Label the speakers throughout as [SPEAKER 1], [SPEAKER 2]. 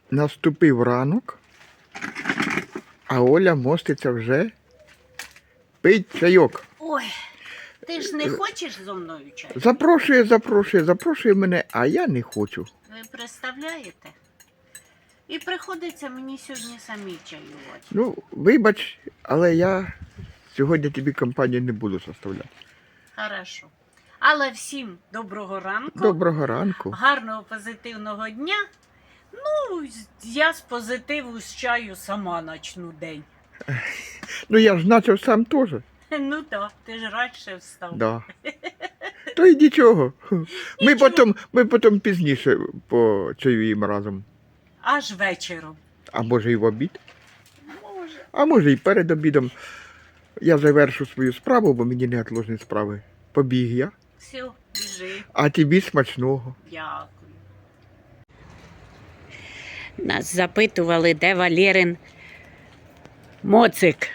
[SPEAKER 1] Наступив ранок, а Оля моститься вже пить чайок.
[SPEAKER 2] Ой, ти ж не хочеш зо мною чай?
[SPEAKER 1] Запрошує мене, а я не хочу.
[SPEAKER 2] Ви представляєте? І приходиться мені сьогодні самі чаювати.
[SPEAKER 1] Ну, вибач, але я сьогодні тобі компанію не буду составляти.
[SPEAKER 2] Хорошо. Але всім доброго ранку.
[SPEAKER 1] Доброго ранку.
[SPEAKER 2] Гарного позитивного дня. Ну, я з позитиву з чаю сама начну день.
[SPEAKER 1] Ну я ж почав сам теж.
[SPEAKER 2] Ну так, ти ж радше встав.
[SPEAKER 1] Да. То й нічого. Ми потім пізніше почаюємо разом.
[SPEAKER 2] Аж вечором.
[SPEAKER 1] А може і в обід?
[SPEAKER 2] Може.
[SPEAKER 1] А може і перед обідом. Я завершу свою справу, бо мені неотложні справи. Побіг я.
[SPEAKER 2] Все, біжи.
[SPEAKER 1] А тобі смачного.
[SPEAKER 2] Дякую. Нас запитували, де Валерин моцик.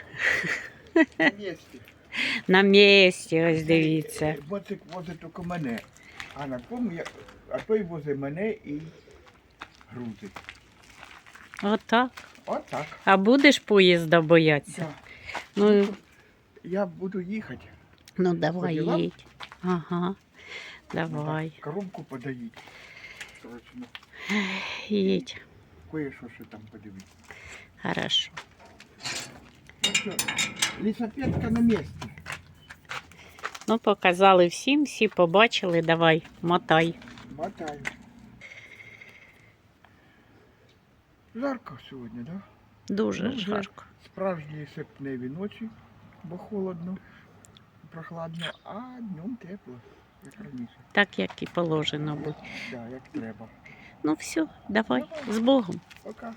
[SPEAKER 2] На місці, ось дивіться.
[SPEAKER 1] Моцик возить тільки мене, а той возить мене і грузить.
[SPEAKER 2] Отак.
[SPEAKER 1] Отак.
[SPEAKER 2] А будеш поїзда боятися?
[SPEAKER 1] Да.
[SPEAKER 2] Ну,
[SPEAKER 1] Я буду їхати.
[SPEAKER 2] ну давай
[SPEAKER 1] Поділа?
[SPEAKER 2] їдь. Ага, давай.
[SPEAKER 1] Коробку подають. Срочно.
[SPEAKER 2] Їдь.
[SPEAKER 1] Кое-що ще там подивитися.
[SPEAKER 2] Хорошо.
[SPEAKER 1] Ну що, лісопедка на місці.
[SPEAKER 2] Ну, показали всім, всі побачили. Давай, мотай.
[SPEAKER 1] Мотаю. Жарко сьогодні, так? Да?
[SPEAKER 2] Дуже
[SPEAKER 1] Ну, вже
[SPEAKER 2] жарко.
[SPEAKER 1] Справжні серпневі ночі, бо холодно, прохладно, а днем тепло, як раніше.
[SPEAKER 2] Так, як і положено бути.
[SPEAKER 1] Так, як треба.
[SPEAKER 2] Ну все, давай, з Богом.
[SPEAKER 1] Пока.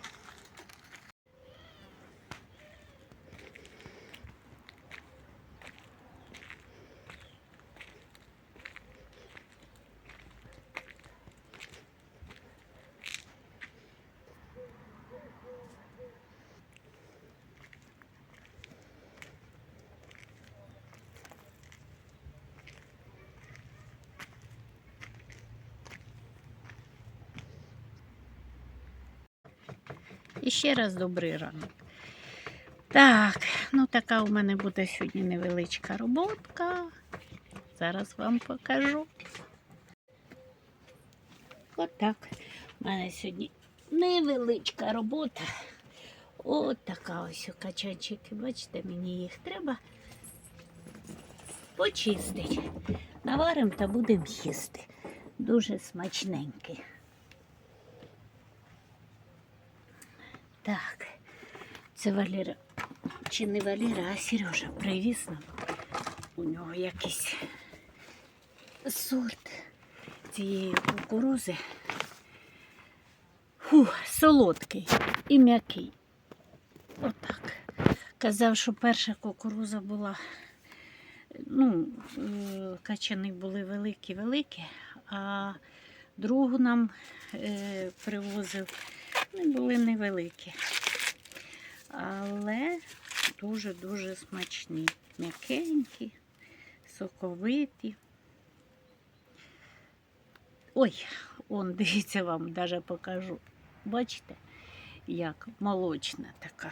[SPEAKER 2] І ще раз добрий ранок. Так, ну така у мене буде сьогодні невеличка роботка. Зараз вам покажу. Отак. У мене сьогодні невеличка робота. От така ось качанчики. Бачите, мені їх треба почистити. Наваримо та будемо їсти. Дуже смачненькі. Так, це Валера, чи не Валера, а Сережа привіз нам. У нього якийсь сорт цієї кукурузи. Солодкий і м'який. Отак. Казав, що перша кукуруза була, ну, качани були великі-великі, а другу нам привозив, вони були невеликі. Але дуже-дуже смачні. М'якенькі, соковиті. Ой, он, дивіться, вам навіть покажу. Бачите, як молочна така.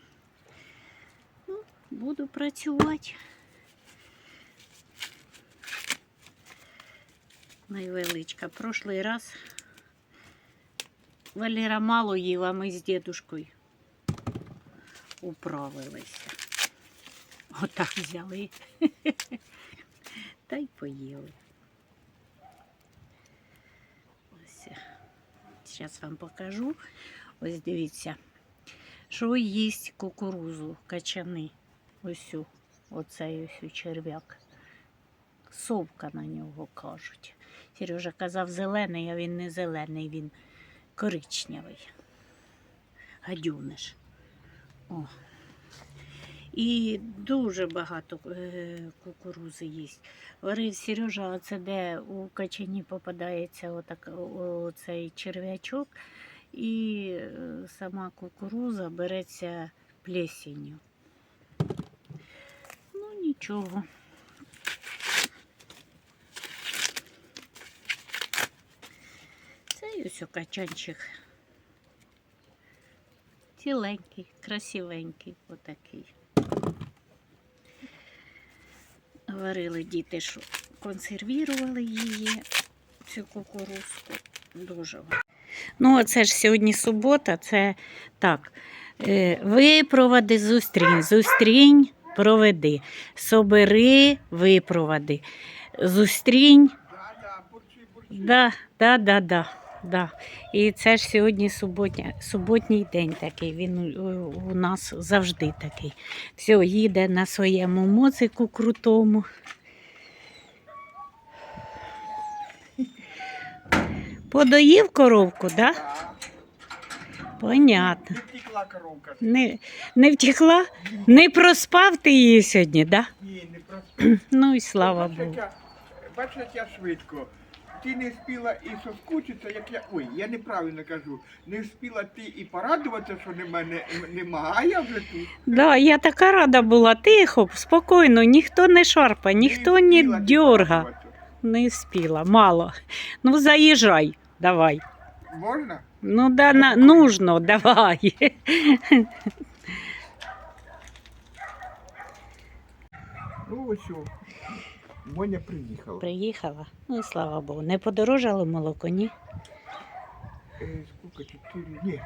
[SPEAKER 2] Ну, буду працювати. Найвеличка. Прошлий раз Валера мало їв, а ми з дідушкою управилися. Отак взяли. Та й поїли. Ось. Зараз вам покажу. Ось дивіться, що їсть кукурузу, качани. Ось оцей ось черв'як. Совка на нього кажуть. Сережа казав зелений, а він не зелений, він коричневий. Гадюниш. О. І дуже багато кукурузи їсть. Говорив Сережа, а це де у качані попадається оцей черв'ячок, і сама кукуруза береться плесенью. Ну нічого. Це ось качанчик Ціленький, красивенький отакий. Говорили діти, що консервували її, цю кукурузку. Дуже. Ну, оце ж сьогодні субота, це так. Випроводи, зустрінь, зустрінь, проведи. Собери, випроводи. Зустрінь. Да. І це ж сьогодні суботній день такий, він у нас завжди такий. Все, їде на своєму моцику крутому. Подоїв коровку, так? Да? Понятно.
[SPEAKER 1] Не втекла коровка.
[SPEAKER 2] Не втекла? Не проспав ти її сьогодні, так? Да?
[SPEAKER 1] Ні, не просто.
[SPEAKER 2] Ну і слава Богу.
[SPEAKER 1] Бачиш, як я швидко. Ти не встигла і соскучитися, як я... Ой, я неправильно кажу. Не встигла ти і порадуватися, що мене нема, а я вже тут.
[SPEAKER 2] Да, я така рада була, тихо, спокійно, ніхто не шарпа, ніхто не
[SPEAKER 1] встигла ти
[SPEAKER 2] дьорга.
[SPEAKER 1] порадуватися.
[SPEAKER 2] Не спіла, мало. Ну, заїжджай, давай.
[SPEAKER 1] Можна?
[SPEAKER 2] Ну, да, нужно, давай.
[SPEAKER 1] Ну ось о. Моня приїхала.
[SPEAKER 2] Приїхала, ну і слава Богу. Не подорожало молоко, ні?
[SPEAKER 1] Скільки? 4? Ні.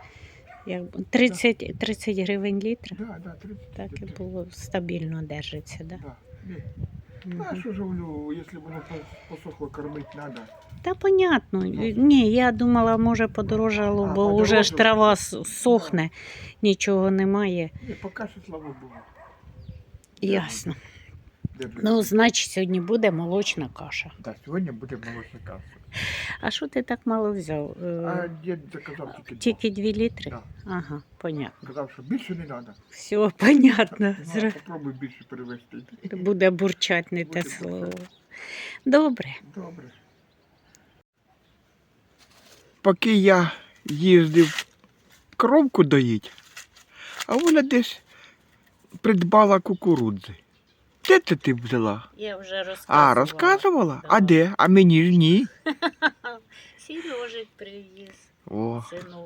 [SPEAKER 2] 30 гривень літр?
[SPEAKER 1] Да, 30.
[SPEAKER 2] Так і було, стабільно держиться, да?
[SPEAKER 1] Да. Ні. А що ж, якщо воно посохло, кормити треба.
[SPEAKER 2] Та понятно. Ні, я думала, може подорожало, бо вже ж трава сохне, нічого немає.
[SPEAKER 1] Ні, поки що, слава Богу.
[SPEAKER 2] Ясно. Ну, значить, сьогодні буде молочна каша.
[SPEAKER 1] Так, сьогодні буде молочна каша.
[SPEAKER 2] А що ти так мало взяв?
[SPEAKER 1] А дід заказав тільки 2.
[SPEAKER 2] Тільки 2 літри?
[SPEAKER 1] Да.
[SPEAKER 2] Ага, понятно.
[SPEAKER 1] Сказав, що більше не треба.
[SPEAKER 2] Все, понятно.
[SPEAKER 1] Ну, попробуй більше перевести.
[SPEAKER 2] Буде бурчать не те
[SPEAKER 1] Буде
[SPEAKER 2] слово.
[SPEAKER 1] бурчати.
[SPEAKER 2] Добре.
[SPEAKER 1] Добре. Поки я їздив коровку доїть, а Оля десь придбала кукурудзи. Де це ти взяла?
[SPEAKER 2] Я вже розказувала.
[SPEAKER 1] А, розказувала?
[SPEAKER 2] Да.
[SPEAKER 1] А де? А мені ж ні.
[SPEAKER 2] Сережик привіз,
[SPEAKER 1] О,
[SPEAKER 2] синок.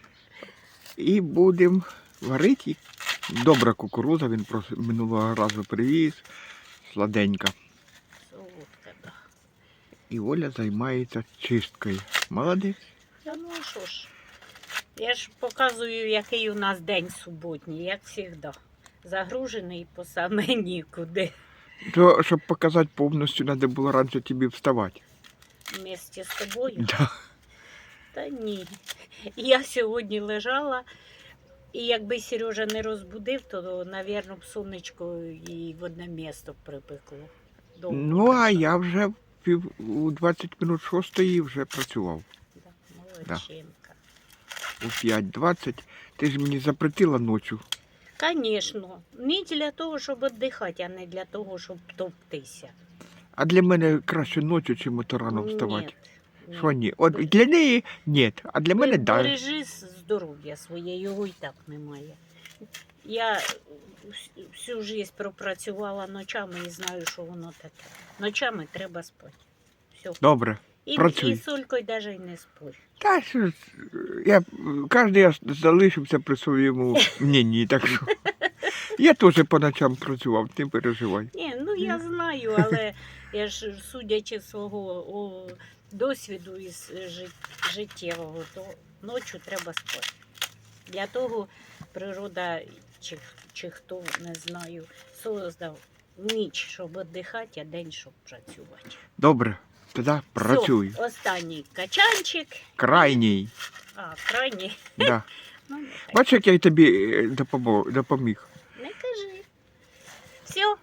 [SPEAKER 1] і будемо варити. Добра кукурудза, він просто минулого разу привіз. Сладенька.
[SPEAKER 2] Солодка, да.
[SPEAKER 1] І Оля займається чисткою. Молодець.
[SPEAKER 2] Та ну а що ж, я ж показую, який у нас день суботній, як завжди. Загружений по саме нікуди.
[SPEAKER 1] То, щоб показати повністю, треба було раніше тобі вставати.
[SPEAKER 2] Вместе з тобою.
[SPEAKER 1] Да.
[SPEAKER 2] Та ні. Я сьогодні лежала, і якби Сережа не розбудив, то, мабуть, б сонечко і в одне місто припекло. Довго
[SPEAKER 1] Ну, а
[SPEAKER 2] лежала.
[SPEAKER 1] я вже у 20 минут 6 вже працював.
[SPEAKER 2] Да, молодчинка.
[SPEAKER 1] У 5:20. Ти ж мені запретила ночі.
[SPEAKER 2] Звісно, не для того, щоб віддихати, а не для того, щоб топтися.
[SPEAKER 1] А для мене краще ночі, чим ото рано вставати.
[SPEAKER 2] Ні.
[SPEAKER 1] Що ні? От для неї ні, а для мене так. Да.
[SPEAKER 2] Бережи здоров'я своє, його і так немає. Я всю життя пропрацювала ночами і знаю, що воно таке. Ночами треба спати. Все.
[SPEAKER 1] Добре,
[SPEAKER 2] І
[SPEAKER 1] працюй.
[SPEAKER 2] з Солькою навіть не спорю.
[SPEAKER 1] Та що ж, кожен я залишився при своєму мненні, так що. Я теж по ночам працював, не переживай.
[SPEAKER 2] Ні, ну я знаю, але я ж судячи з свого досвіду із життєвого, то ночі треба спати. Для того природа, чи хто, не знаю, создав ніч, щоб віддихати, а день, щоб працювати.
[SPEAKER 1] Добре, тоді працюй.
[SPEAKER 2] Все, останній качанчик.
[SPEAKER 1] Крайній.
[SPEAKER 2] А, крайній.
[SPEAKER 1] Да.
[SPEAKER 2] Ну, нехай.
[SPEAKER 1] Бачиш, як я тобі допоміг.
[SPEAKER 2] Не кажи. Все.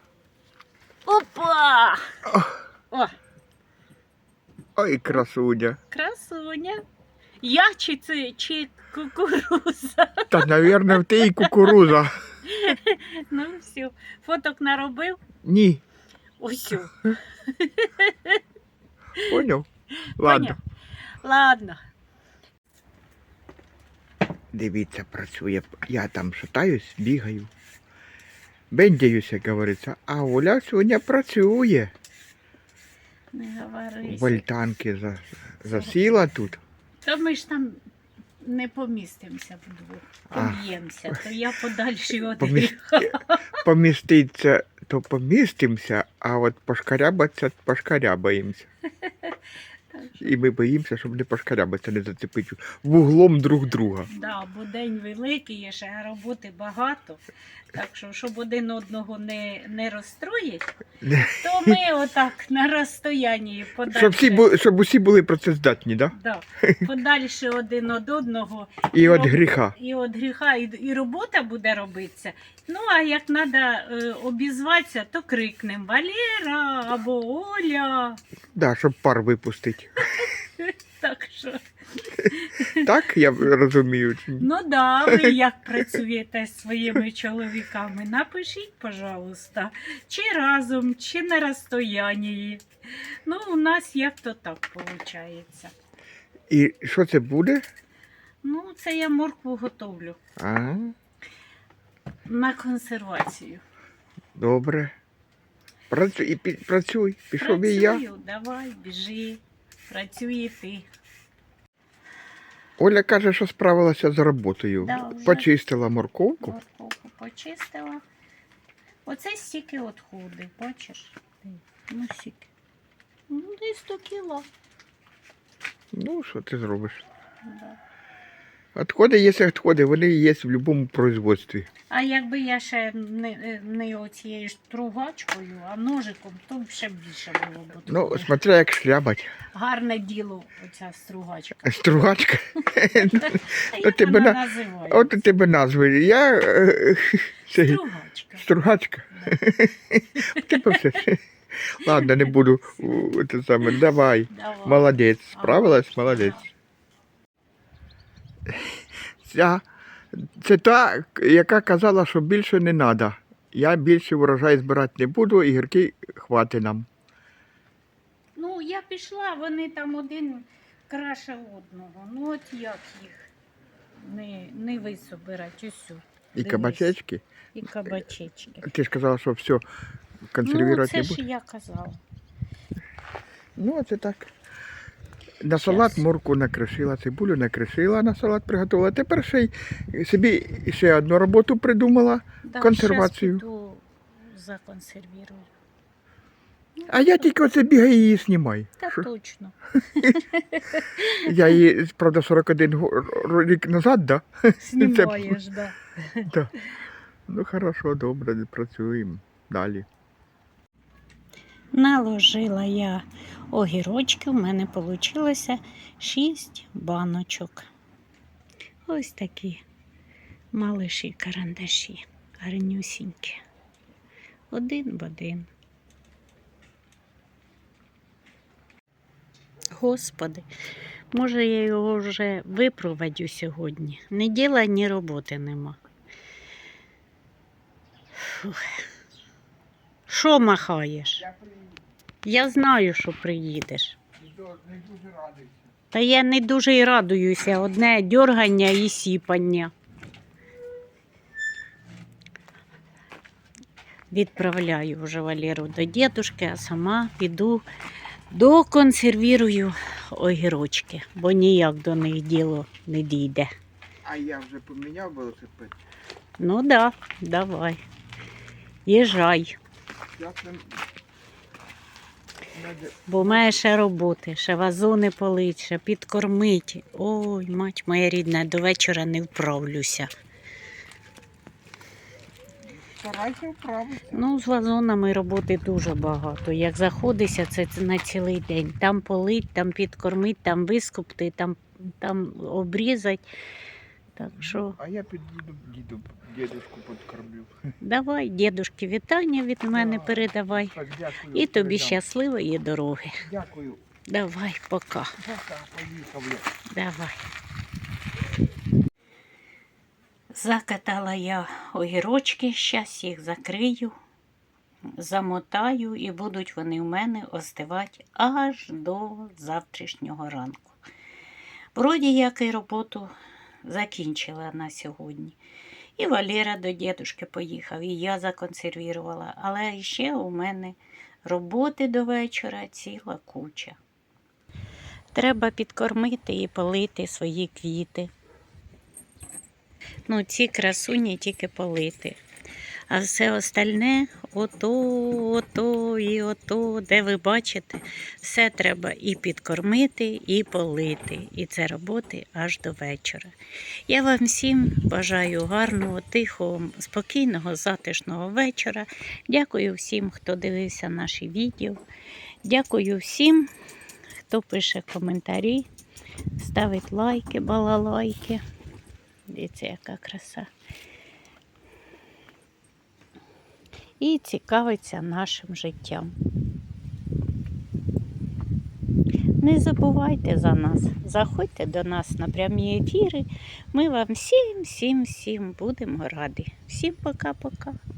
[SPEAKER 2] Опа! О,
[SPEAKER 1] Ой, красуня.
[SPEAKER 2] красуня. Я чи кукуруза?
[SPEAKER 1] Та, мабуть, в те і кукуруза.
[SPEAKER 2] Ну все. Фоток наробив?
[SPEAKER 1] Ні,
[SPEAKER 2] Усю.
[SPEAKER 1] поняв? Ладно.
[SPEAKER 2] Ладно.
[SPEAKER 1] Дивіться, працює. Я там шатаюсь, бігаю. Бендяюсь, як говориться. А Оля сьогодні працює.
[SPEAKER 2] Не говори.
[SPEAKER 1] Вольтанки засіла тут.
[SPEAKER 2] Та ми ж там не помістимося вдвох.
[SPEAKER 1] А.
[SPEAKER 2] Поб'ємося, то я подальше від
[SPEAKER 1] Помі-
[SPEAKER 2] гріха.
[SPEAKER 1] Поміститься, то помістимося, а от пошкарябатися пошкарябаємося. І ми боїмося, щоб не пошкарябатися, не зацепити вуглом друг друга.
[SPEAKER 2] Да, бо день великий, є ще роботи багато. Так що, щоб один одного не розстроїть, то ми отак на розстоянні подальше,
[SPEAKER 1] Щоб усі були працездатні, да?
[SPEAKER 2] да, подальше один від одного.
[SPEAKER 1] І від
[SPEAKER 2] роб-
[SPEAKER 1] гріха.
[SPEAKER 2] І від гріха, і робота буде робитися. Ну, а як треба обізватися, то крикнемо Валера або Оля.
[SPEAKER 1] Да, щоб пар випустити.
[SPEAKER 2] Так що,
[SPEAKER 1] Так, я розумію. чи ні?
[SPEAKER 2] ну да, ви як працюєте з своїми чоловіками, напишіть, пожалуйста, чи разом, чи на розстоянні. Ну, у нас як-то так виходить.
[SPEAKER 1] І що це буде?
[SPEAKER 2] Ну, це я моркву готовлю
[SPEAKER 1] А,
[SPEAKER 2] на консервацію.
[SPEAKER 1] добре. Працюй. Пішов і я.
[SPEAKER 2] Працюю, давай, біжи, працюй і ти.
[SPEAKER 1] Оля каже, що справилася з роботою.
[SPEAKER 2] Да, вже.
[SPEAKER 1] Почистила морковку.
[SPEAKER 2] Морковку почистила. Оце стільки відходи, бачиш? Ну, стільки. Ну, десь 100 кіло.
[SPEAKER 1] Ну, що ти зробиш?
[SPEAKER 2] Да.
[SPEAKER 1] Отходи є відходи, вони є в будь-якому производстві.
[SPEAKER 2] А якби я ще не оцією стругачкою, а ножиком, то б ще більше було б.
[SPEAKER 1] Ну,
[SPEAKER 2] відходів.
[SPEAKER 1] смотря як шляпать.
[SPEAKER 2] Гарне діло оця стругачка.
[SPEAKER 1] Стругачка.
[SPEAKER 2] А як
[SPEAKER 1] тебе
[SPEAKER 2] вона
[SPEAKER 1] на-
[SPEAKER 2] називається?
[SPEAKER 1] От у тебе назви. Я
[SPEAKER 2] Стругачка.
[SPEAKER 1] Стругачка. У тебе все. Ладно, не буду. Це саме. Давай.
[SPEAKER 2] Давай.
[SPEAKER 1] Молодець. Справилась? Молодець. Це та, яка казала, що більше не треба. Я більше урожай збирати не буду, і гірки хватить нам.
[SPEAKER 2] Ну, я пішла, вони там один краще одного. Ну, от як їх не висобирати, усю.
[SPEAKER 1] І кабачечки.
[SPEAKER 2] І кабачечки.
[SPEAKER 1] Ти ж казала, що все
[SPEAKER 2] Ну,
[SPEAKER 1] консервувати
[SPEAKER 2] це
[SPEAKER 1] не
[SPEAKER 2] ж
[SPEAKER 1] буде.
[SPEAKER 2] я казала.
[SPEAKER 1] Ну, це так. На салат
[SPEAKER 2] Щас.
[SPEAKER 1] морку накришила, цибулю накришила, на салат приготувала. Тепер ще й собі ще одну роботу придумала.
[SPEAKER 2] Да,
[SPEAKER 1] Консервацію.
[SPEAKER 2] щас піду законсервірую. Ну,
[SPEAKER 1] А я тільки оце бігаю і її знімаю.
[SPEAKER 2] Та
[SPEAKER 1] Що?
[SPEAKER 2] точно.
[SPEAKER 1] Я її, правда, 41 рік назад, да?
[SPEAKER 2] Знімаєш, да.
[SPEAKER 1] Да. Ну, хорошо, добре, працюємо далі.
[SPEAKER 2] Наложила я огірочки, у мене вийшло 6 баночок. Ось такі малиші карандаші, гарнюсінькі. Один в один. Господи, може я його вже випровадю сьогодні. Ні діла, ні роботи нема. Фух. Що махаєш?
[SPEAKER 1] Я приїду,
[SPEAKER 2] Я знаю, що приїдеш.
[SPEAKER 1] не дуже радий.
[SPEAKER 2] Та я не дуже й радуюся. Одне дьоргання і сіпання. Відправляю вже Валеру до дідушки, а сама піду доконсервірую огірочки, бо ніяк до них діло не дійде.
[SPEAKER 1] А я вже поміняв велосипед.
[SPEAKER 2] Ну да, давай. Їжджай,
[SPEAKER 1] Я це...
[SPEAKER 2] бо має ще роботи, ще вазони полить, ще підкормить. Ой, мать моя рідна, до вечора не вправлюся.
[SPEAKER 1] Старайся вправитися.
[SPEAKER 2] Ну, з вазонами роботи дуже багато. Як заходишся, це на цілий день. Там полить, там підкормить, там вискупти, там обрізать. Так що
[SPEAKER 1] А я під'їду дідушку підкормлю.
[SPEAKER 2] давай, дідушки, вітання від мене передавай.
[SPEAKER 1] Так, дякую.
[SPEAKER 2] І тобі
[SPEAKER 1] передам.
[SPEAKER 2] щасливої дороги.
[SPEAKER 1] Дякую.
[SPEAKER 2] Давай, пока.
[SPEAKER 1] Пока, поїхав я.
[SPEAKER 2] Давай. Закатала я огірочки, зараз їх закрию, замотаю і будуть вони в мене остивати аж до завтрашнього ранку. Вроді як і роботу закінчила на сьогодні. І Валера до дідушки поїхав, і я законсервірувала. Але ще у мене роботи до вечора ціла куча. Треба підкормити і полити свої квіти. Ну, ці красуні тільки полити. А все остальне, ото і ото, де ви бачите, все треба і підкормити, і полити. І це роботи аж до вечора. Я вам всім бажаю гарного, тихого, спокійного, затишного вечора. Дякую всім, хто дивився наші відео. Дякую всім, хто пише коментарі, ставить лайки, балалайки. Дивіться, яка краса. І цікавиться нашим життям. Не забувайте за нас, заходьте до нас на прямі ефіри. Ми вам всім будемо раді. Всім пока-пока.